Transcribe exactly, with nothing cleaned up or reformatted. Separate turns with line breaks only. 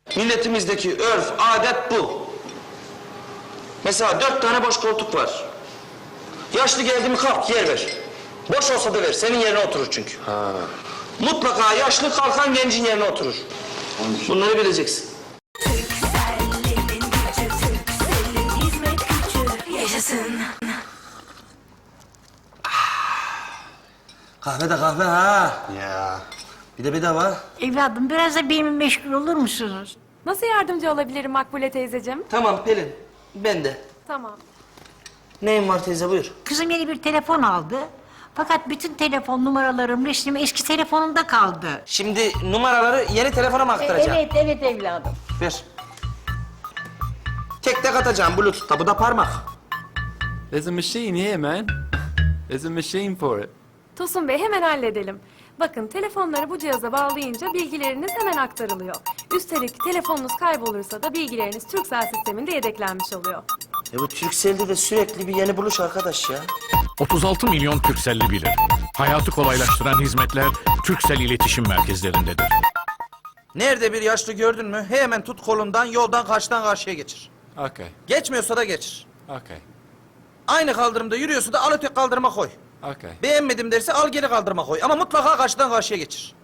Milletimizdeki örf, adet bu. Mesela dört tane boş koltuk var. Yaşlı geldi mi kalk yer ver. Boş olsa da ver, senin yerine oturur çünkü. Ha. Mutlaka yaşlı kalkan gencin yerine oturur. Bunları bileceksin.
Türkcell'in gücü, Türkcell'in hizmet gücü yaşasın.
Kahve de kahve ha.
Ya.
Bir de bedava.
Evladım biraz da benimle meşgul olur musunuz?
Nasıl yardımcı olabilirim Makbule teyzeciğim?
Tamam Pelin, ben de.
Tamam.
Neyin var teyze buyur.
Kızım yeni bir telefon aldı. Fakat bütün telefon numaralarım, resmim eski telefonumda kaldı.
Şimdi numaraları yeni telefona mı aktaracağım?
Evet, evet evladım.
Ver. Tek tek atacağım Bluetooth'ta, bu da parmak.
There's a machine here, man. There's a machine for it.
Tosun Bey hemen halledelim. Bakın telefonları bu cihaza bağlayınca bilgileriniz hemen aktarılıyor. Üstelik telefonunuz kaybolursa da bilgileriniz Turkcell sisteminde yedeklenmiş oluyor.
E bu Turkcell'de de sürekli bir yeni buluş arkadaş ya.
otuz altı milyon Turkcell'li bilir. Hayatı kolaylaştıran hizmetler Turkcell iletişim merkezlerindedir.
Nerede bir yaşlı gördün mü hemen tut kolundan yoldan karşıdan karşıya geçir.
Okay,
Geçmiyorsa da geçir.
okay,
Aynı kaldırımda yürüyorsa da al öteki kaldırıma koy.
okay.
Beğenmedim derse al geri kaldırıma koy ama mutlaka karşıdan karşıya geçir.